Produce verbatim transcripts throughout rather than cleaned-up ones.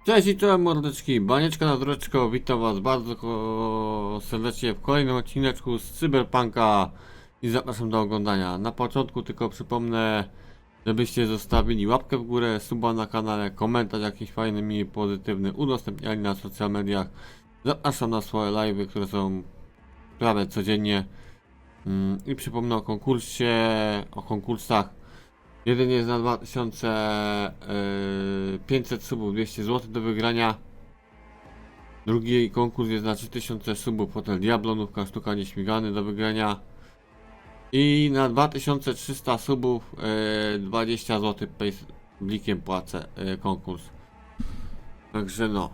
Cześć i czołem mordeczki, Banieczka na Dreczko, witam was bardzo serdecznie w kolejnym odcineczku z Cyberpunka i zapraszam do oglądania. Na początku tylko przypomnę, żebyście zostawili łapkę w górę, suba na kanale, komentarz jakiś fajny, miły, pozytywny, udostępniali na social mediach. Zapraszam na swoje live'y, które są prawie codziennie. I przypomnę o konkursie, o konkursach. Jeden jest na dwa tysiące pięćset subów, dwieście złotych do wygrania. Drugi konkurs jest na trzy tysiące subów, Hotel Diablo, nówka sztuka nieśmigany do wygrania. I na dwa tysiące trzysta subów yy, dwadzieścia złotych blikiem płacę yy, konkurs. Także no.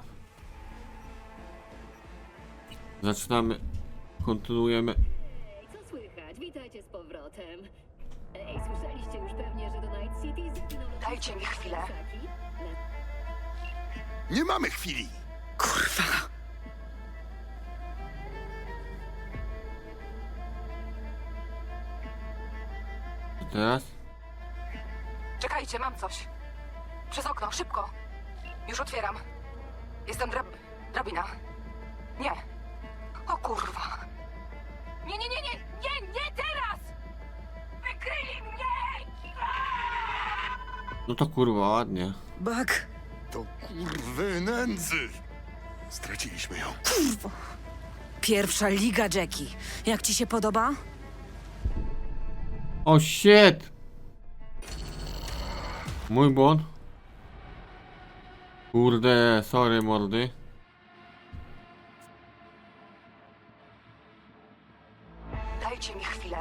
Zaczynamy, kontynuujemy. Ej, co słychać? Witajcie z powrotem. Ej, słyszeliście już pewnie, że do Night City zapłynął... Dajcie mi chwilę. Nie mamy chwili! Kurwa. Co teraz? Czekajcie, mam coś. Przez okno, szybko. Już otwieram. Jestem drab... drabina. Nie. O kurwa. Nie, nie, nie, nie, nie, nie teraz! Wykryli mnie! No to kurwa ładnie. Bak. To kurwy nędzy! Straciliśmy ją. Kurwa. Pierwsza liga, Jackie. Jak ci się podoba? O shit! Mój błąd. Kurde, sorry mordy. Dajcie mi chwilę.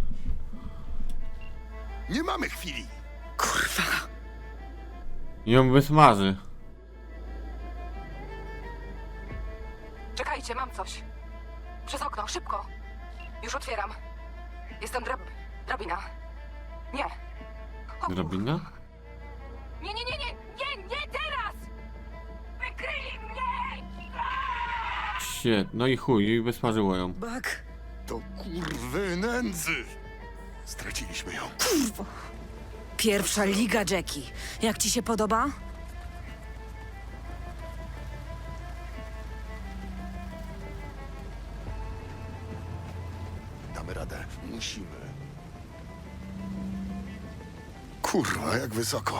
Nie mamy chwili! Kurwa. Ją wysmaży. Czekajcie, mam coś. Przez okno, szybko. Już otwieram. Jestem drab... drabina. Nie. O kurwa. Drabina? Nie, nie, nie, nie, nie, nie teraz! Wykryli mnie! Shit, no i chuj, i wysmażyło ją. Bak. To kurwy nędzy! Straciliśmy ją. Kurwa. Pierwsza liga, Jackie. Jak ci się podoba? Damy radę. Musimy. Kurwa, jak wysoko.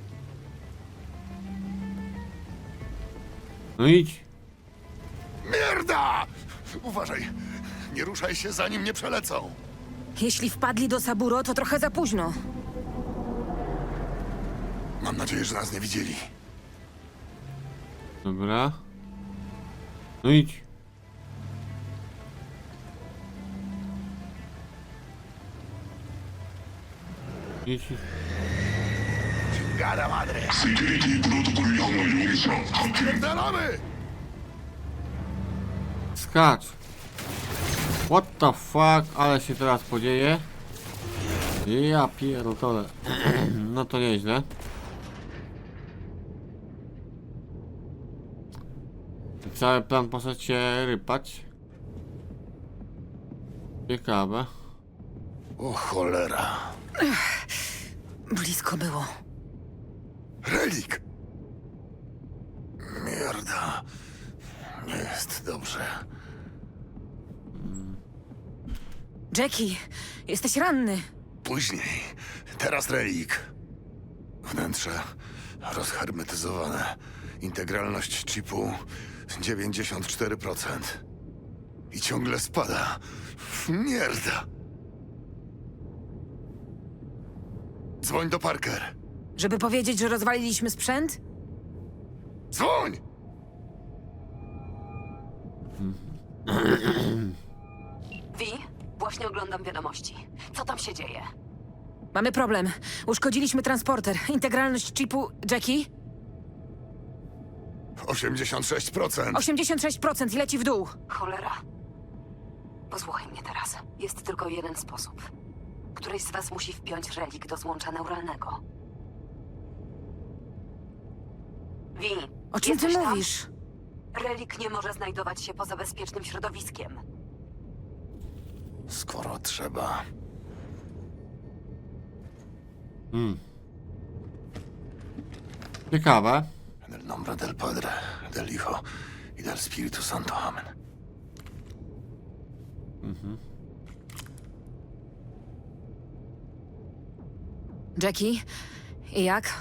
No idź. Mierda! Uważaj! Nie ruszaj się, zanim nie przelecą. Jeśli wpadli do Saburo, to trochę za późno. Mam nadzieję, że nas nie widzieli. Dobra. No idź. Idź. Chingada madre! Spierdalamy! Skacz. What the fuck, ale się teraz podzieje. Ja pierdolę. No to nieźle. Cały plan poszedł się rypać. Ciekawe. O cholera. Blisko było. Relik! Mierda. Nie jest dobrze. Jackie, jesteś ranny. Później. Teraz relik. Wnętrze rozhermetyzowane. Integralność chipu dziewięćdziesiąt cztery procent. I ciągle spada. Mierda. Dzwoń do Parker. Żeby powiedzieć, że rozwaliliśmy sprzęt? Dzwoń! Wi, właśnie oglądam wiadomości. Co tam się dzieje? Mamy problem. Uszkodziliśmy transporter. Integralność chipu... Jackie? osiemdziesiąt sześć procent. osiemdziesiąt sześć procent i leci w dół. Cholera. Posłuchaj mnie teraz. Jest tylko jeden sposób. Któryś z was musi wpiąć relik do złącza neuralnego. Wi, O czym ty jesteś tam? mówisz? Relik nie może znajdować się poza bezpiecznym środowiskiem. Skoro trzeba. Hmm. Ciekawe. Nombre del Padre, del Hijo y del Espíritu Santo. Amen. Jackie? I jak?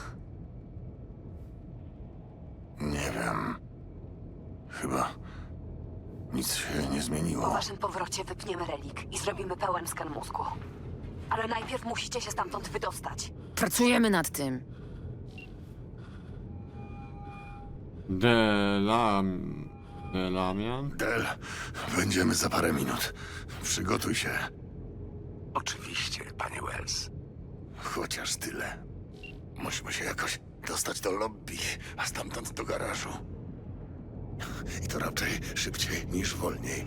Nie wiem. Chyba nic się nie Po zmieniło. waszym powrocie wypniemy relik i zrobimy pełen skan mózgu. Ale najpierw musicie się stamtąd wydostać. Pracujemy nad tym. Delam... Delamian? Del, będziemy za parę minut. Przygotuj się. Oczywiście, panie Wells. Chociaż tyle. Musimy się jakoś dostać do lobby, a stamtąd do garażu. I to raczej szybciej niż wolniej.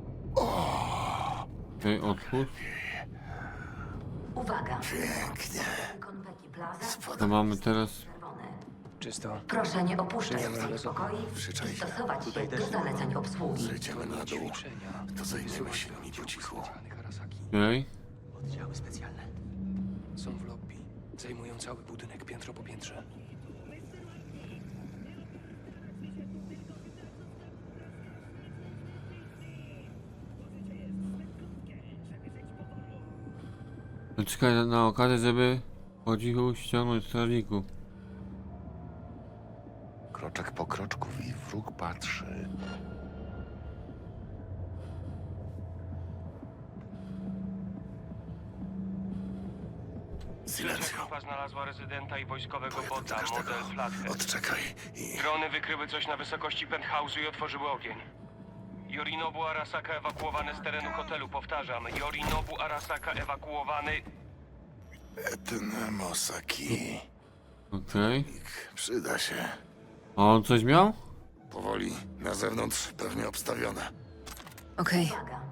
Okej, otwórz. Uwaga! Pięknie. Konweki Plaza. To mamy teraz... Czysto. Proszę nie opuszczać Nie ma swoich ryzyka. pokoi Przyczaj i się. stosować się do zaleceń obsługi. Zejdziemy na dół. To zajmiemy się nimi po cichu. Okej. Oddziały specjalne. Są w lobby. Zajmują cały budynek piętro po piętrze. Czekaj na- na okazję, żeby po cichu ściągnąć strażników. Kroczek po kroczku i wróg patrzy. Silencio. Grupa znalazła rezydenta i wojskowego Pojadę do bota, każdego. model Flathead. Odczekaj i... Drony wykryły coś na wysokości penthouse'u i otworzyły ogień. Yorinobu Arasaka ewakuowany z terenu hotelu, powtarzam. Yorinobu Arasaka ewakuowany... Etn Mosaki. Okej. Przyda się. A on coś miał? Powoli. Na zewnątrz pewnie obstawione. Okej.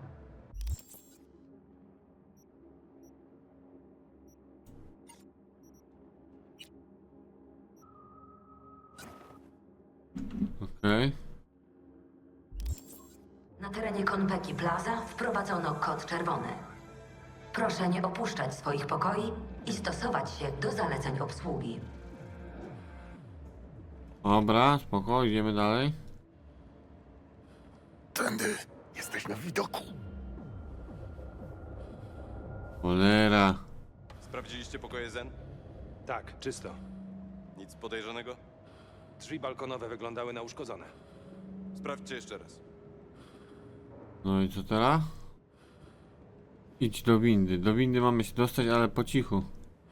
Okej. Na terenie Konweki Plaza wprowadzono kod czerwony. Proszę nie opuszczać swoich pokoi i stosować się do zaleceń obsługi. Dobra, spoko, idziemy dalej. Tędy. Jesteś na widoku. Cholera. Sprawdziliście pokoje Zen? Tak, czysto. Nic podejrzanego? Drzwi balkonowe wyglądały na uszkodzone. Sprawdźcie jeszcze raz. No i co teraz? Idź do windy. Do windy mamy się dostać, ale po cichu.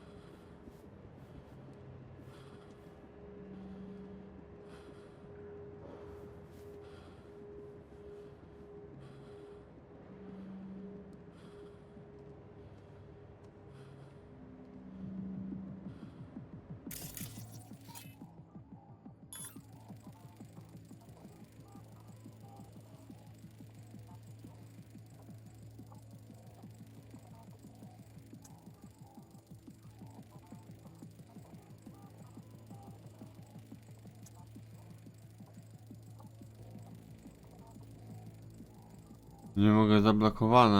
Nie mogę, zablokowane.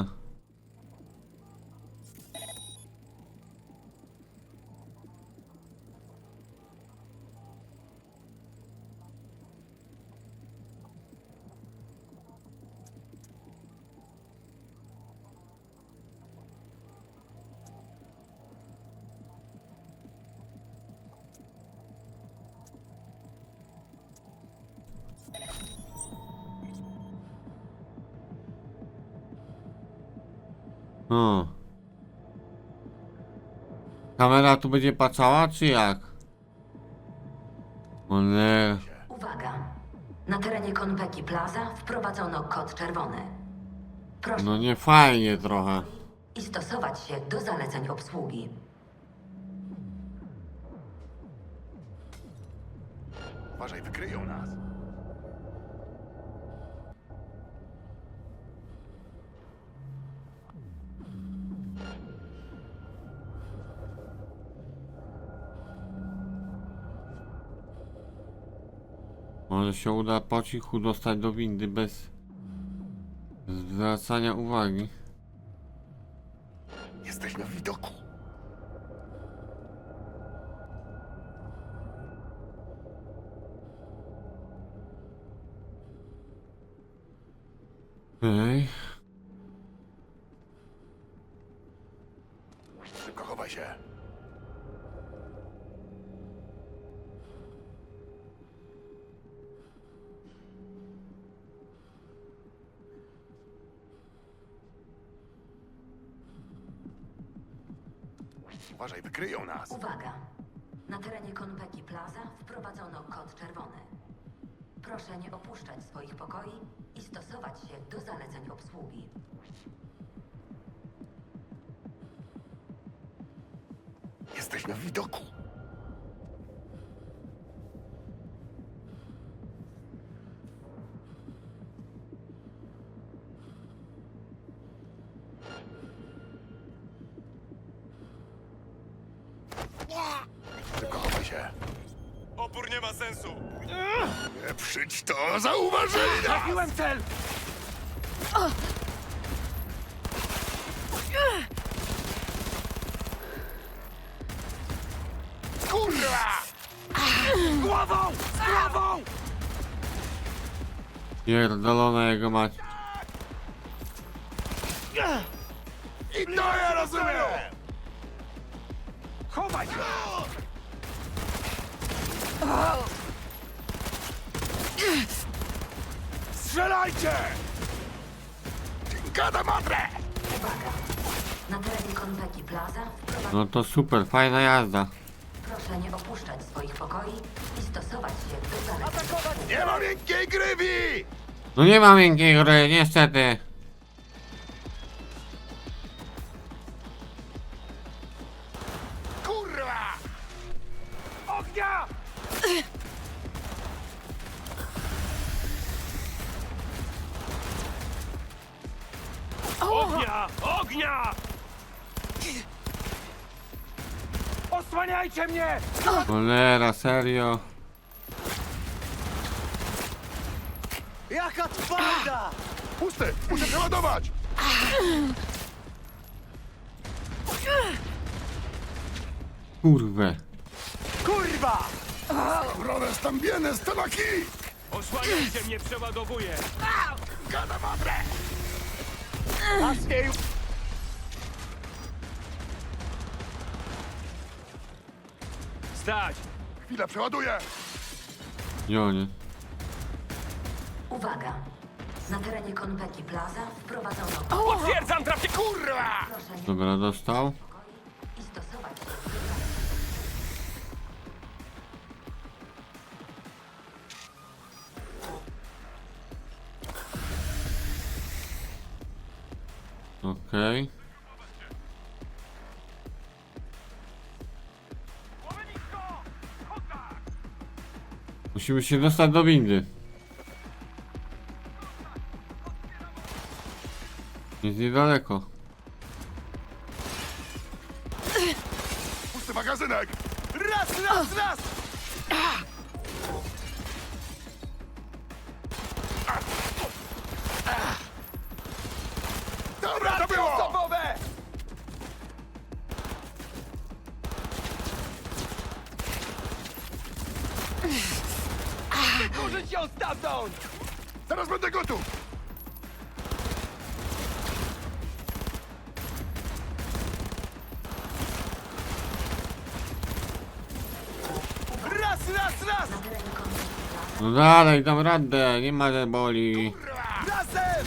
O. Kamera tu będzie patrzała, czy jak? O nie. Uwaga! Na terenie Konweki Plaza wprowadzono kod czerwony. Proszę No nie fajnie trochę. i stosować się do zaleceń obsługi. Uważaj, wykryją nas. Może się uda po cichu dostać do windy bez zwracania uwagi. Jesteś na widoku. Okej. Szybko chowaj się. Uważaj, wykryją nas. Uwaga! Na terenie Konpeki Plaza wprowadzono kod czerwony. Proszę nie opuszczać swoich pokoi i stosować się do zaleceń obsługi. Jesteśmy w widoku. Szybko chowaj się. Opór nie ma sensu! Nie przyjdź to, zauważyli nas! Trafiłem cel! Kurwa! Głową! Z głową! Pierdolona jego mać. I to ja rozumiem! Chowaj się! Strzelajcie! Gada madre! Uwaga! Na terenie Konpeki Plaza wprowadzono... No to super, fajna jazda. Proszę nie opuszczać swoich pokoi i stosować się do zaleceń. Nie ma miękkiej grywi! No nie ma miękkiej gry, niestety. Kurwa! Ognia! Ognia! Ognia! Osłaniajcie mnie! Cholera, serio. Jaka twarda! Pusty! Muszę przeładować! Kurwę. Kurwa! Roles tam bienes, tabaki! Osłaniajcie mnie, przeładowuję! Gada madre! Aż jej... Stać! Chwila, przeładuję! Jonie. Uwaga! Na terenie Konpeki Plaza wprowadzono... Potwierdzam trafię! Kurwa! Proszę nie Dobra, dostał. pokoi i stosować się do zaleceń. Okej. Musimy się dostać do windy. Jest niedaleko. Pusty magazynek! Raz, raz, raz! Dobra, to było! Osobowe! Wykurzyć ją stamtąd! Zaraz będę gotów! Raz, raz, raz! Na terenie Konpeki Plaza No dalej, dam radę, nie ma że boli. Razem!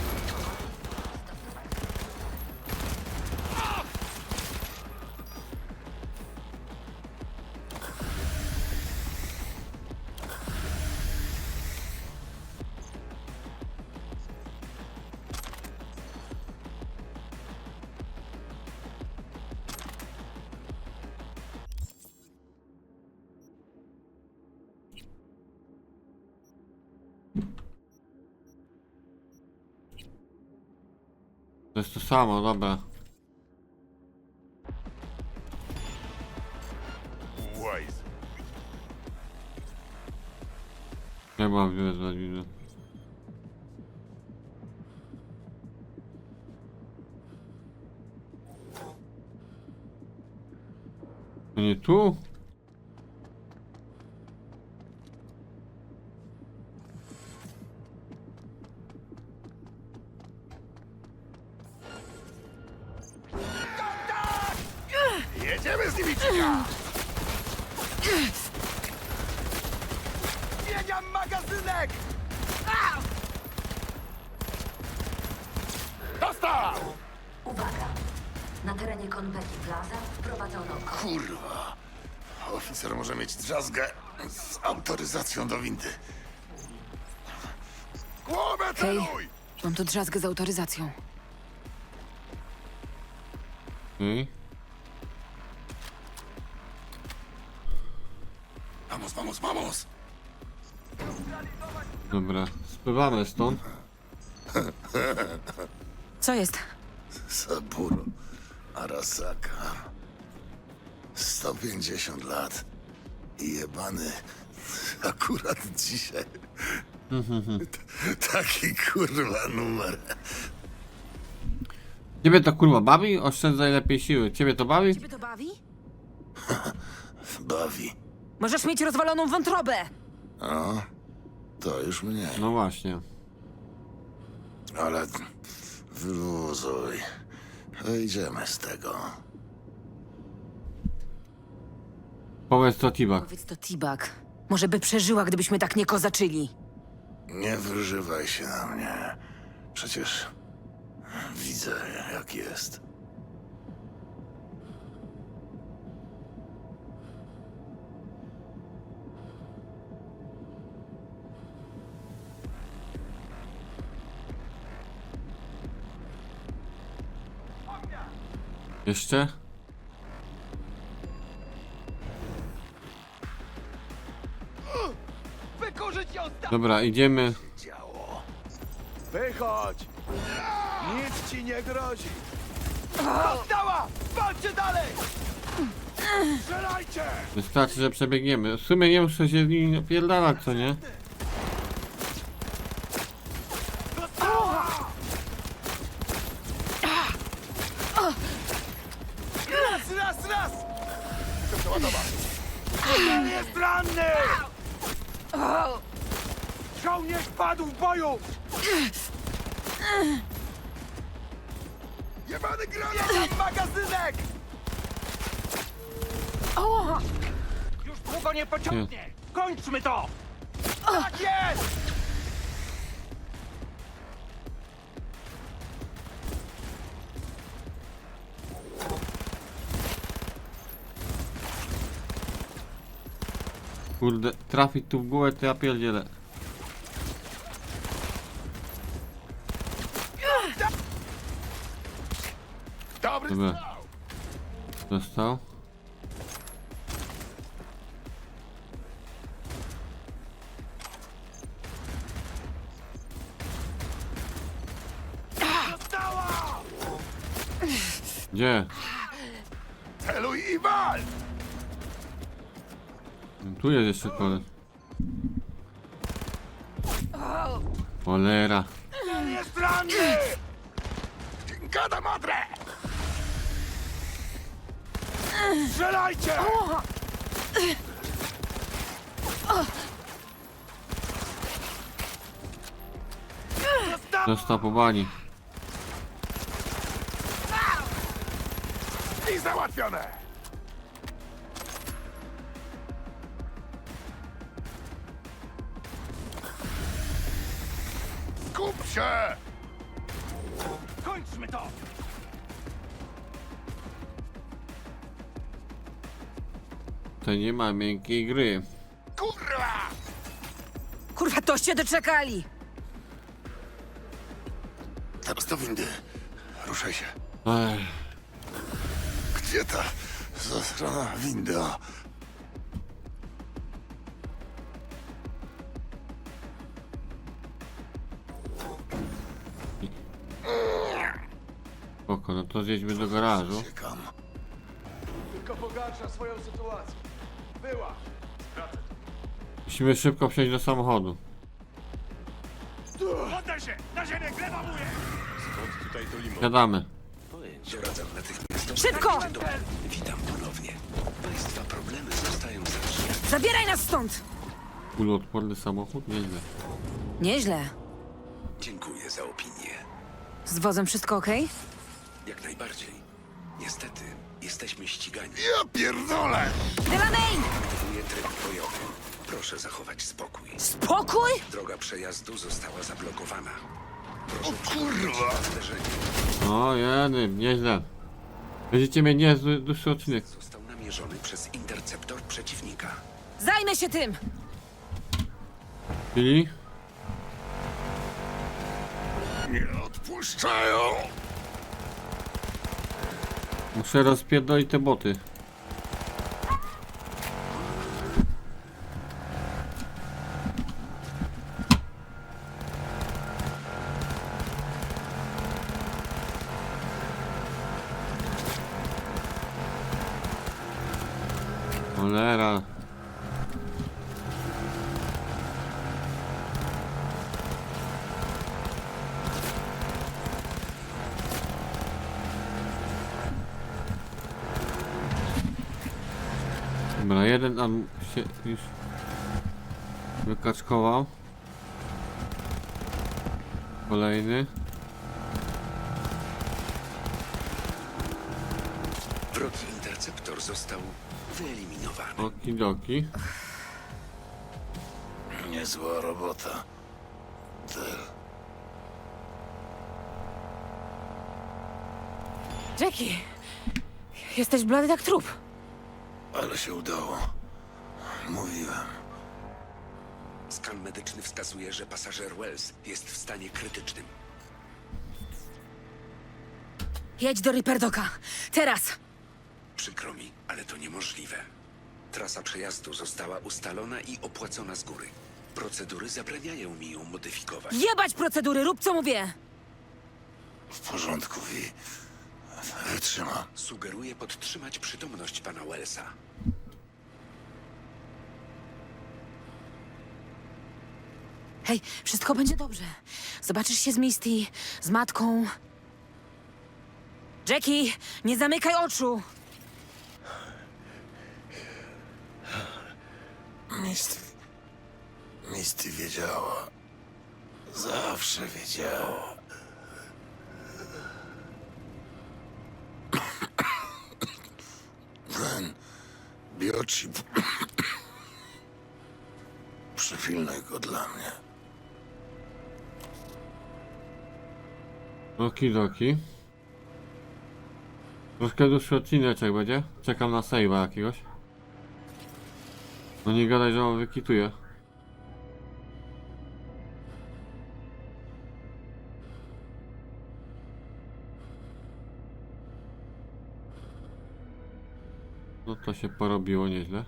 To jest to samo, dobra. Wise. Nie mam wezwać widzę. To nie tu? się z nimi czeka! Zmieniam magazynek! Dostał! Uwaga! Na terenie Konpeki Plaza wprowadzono kod. Kurwa. Oficer może mieć drzazgę z autoryzacją do windy. Głowę celuj! Mam tu drzazgę z autoryzacją. Okej. Vamos, vamos, vamos! Dobra, spływamy stąd. Co jest? Saburo Arasaka. sto pięćdziesiąt lat. I jebany akurat dzisiaj. T- Taki kurwa numer. Ciebie to kurwa bawi? Oszczędzaj lepiej siły. Ciebie to bawi? Ciebie to bawi? Bawi. Możesz mieć rozwaloną wątrobę! O, to już mnie. No właśnie. Ale wyluzuj. Wyjdziemy z tego. Powiedz to T-Bag. Powiedz to T-Bag. Może by przeżyła, gdybyśmy tak nie kozaczyli. Nie wyżywaj się na mnie. Przecież widzę, jak jest. Jeszcze? Wykurzyć ją stąd! Dobra, idziemy. Działo. Wychodź! Nic ci nie grozi! Dostała! Walczcie dalej! Strzelajcie! Wystarczy, że przebiegniemy. W sumie nie muszę się z nimi napierdalać, co nie? Dostała! Raz, raz, raz! Chcę przeładować! Cel jest ranny! Żołnierz padł w boju! Jebany granat! Mam magazynek! Już długo nie pociągnie! Kończmy to! Tak jest! Kurde, trafić tu w głowę, to ja pierdzielę. Dobry Dobra. strzał! Dostał. Dostała! Gdzie? Celuj i wal! Tu jest jeszcze koleś. Cholera. Cel jest ranny! Gada madre! Strzelajcie! Dostała! Dostał po bani. I załatwione! Skup się! Kończmy to! To nie ma miękkiej gry. Kurwa! Kurwa, toście doczekali! Teraz do windy. Ruszaj się. Ech, Gdzie ta zasrana winda? spoko, no to zjedźmy do garażu. Czekam. Tylko pogarsza swoją sytuację. Była. Musimy szybko przejść do samochodu. Poddaj się! Na ziemię, gleba mówię! Siadamy. Doradzam natychmiast. Szybko! Witam ponownie. Państwa problemy zostają zatrzymane. Zabieraj nas stąd! Kuloodporny samochód? Nieźle. Nieźle. Dziękuję za opinię. Z wozem wszystko okej? Jak najbardziej. Niestety, Jesteśmy ścigani. Ja pierdolę! Delaney! Aktywuję tryb bojowy. Proszę zachować spokój. Spokój! Droga przejazdu została zablokowana. Proszę o kurwa! O, jeny, nieźle. Będziecie mieć niezły, dłuższy odcinek. Został namierzony przez interceptor przeciwnika. Zajmę się tym! Czyli? Nie odpuszczają! Muszę rozpierdolić te boty. Cholera. Dobra, jeden tam się już wykaczkował. Kolejny. Wrogi interceptor został wyeliminowany. Okidoki. Niezła robota. Del. Jackie! Jesteś blady jak trup. Ale się udało. Mówiłem. Skan medyczny wskazuje, że pasażer Wells jest w stanie krytycznym. Jedź do Ripperdoka. Teraz! Przykro mi, ale to niemożliwe. Trasa przejazdu została ustalona i opłacona z góry. Procedury zabraniają mi ją modyfikować. Jebać procedury, rób co mówię! W porządku, Wi. Wytrzyma. Sugeruję podtrzymać przytomność pana Wellsa. Hej, wszystko będzie dobrze. Zobaczysz się z Misty, z matką. Jackie, nie zamykaj oczu! Misty... Misty wiedziała. Zawsze wiedziała. Ten biochip... Przypilnuj go dla mnie. Okidoki. Troszkę dłuższy odcineczek będzie. Czekam na save'a jakiegoś. No nie gadaj, że on wykituje. No to się porobiło nieźle.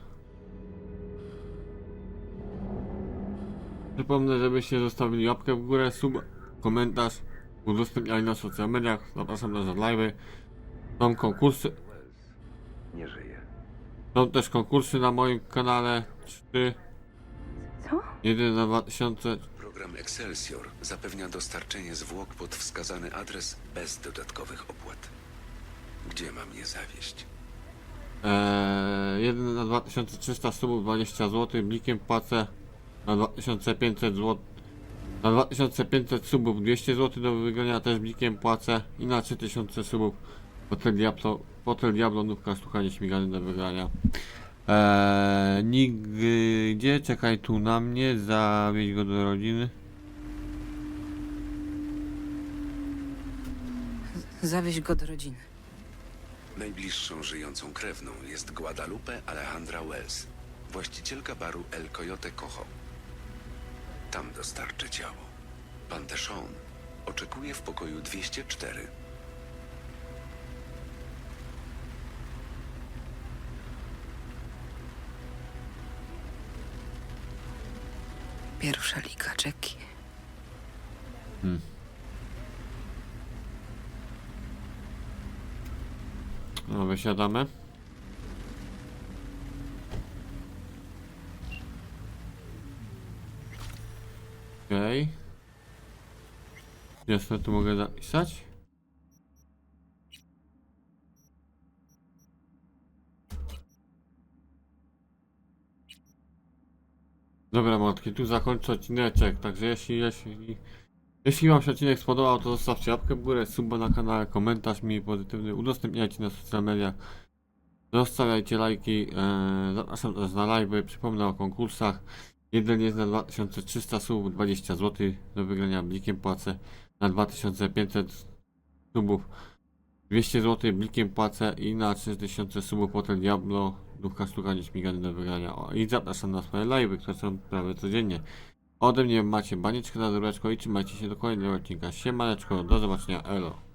Przypomnę, żebyście zostawili łapkę w górę, sub, komentarz, udostępniali na social mediach. Zapraszam na live'y. Są konkursy. Nie żyje. Są też konkursy na moim kanale. Trzy. Co? Jeden na dwa tysiące. Program Excelsior zapewnia dostarczenie zwłok pod wskazany adres bez dodatkowych opłat. Gdzie mam je zawieźć? Eee, jeden na dwa tysiące trzysta subów dwadzieścia złotych. Blikiem płacę na dwa tysiące pięćset złotych. Na dwa tysiące pięćset subów dwieście złotych do wygrania też blikiem płacę. I na trzy tysiące subów Hotel Diablo, Hotel Diablo nówka sztukanie śmigany do wygrania. Eee, nigdzie, czekaj tu na mnie, zawieź go do rodziny. Zawieź go do rodziny. Najbliższą żyjącą krewną jest Guadalupe Alejandra Wells, właścicielka baru El Coyote Cojo. Tam dostarczy ciało. Pan Deshawn oczekuje w pokoju dwieście cztery. Pierwsza liga, Jackie. No, wysiadamy. Okej. Okay. Jasne, tu mogę zapisać. Dobra, młotki, tu zakończę odcineczek, także jeśli, jeśli, jeśli wam się odcinek spodobał, to zostawcie łapkę w górę, suba na kanale, komentarz mi pozytywny, udostępniajcie na social mediach. Zostawiajcie lajki, e, zapraszam też na live'y, przypomnę o konkursach. Jeden jest na dwa tysiące trzysta subów, dwadzieścia złotych do wygrania blikiem płacę, na dwa tysiące pięćset subów dwieście złotych blikiem płacę i na trzy tysiące subów Hotel Diablo ducha sztuka nieśmigany do wygrania. O, i zapraszam na swoje live'y, które są prawie codziennie. Ode mnie macie banieczkę na dureczko i trzymajcie się do kolejnego odcinka. Siemaneczko, do zobaczenia, elo.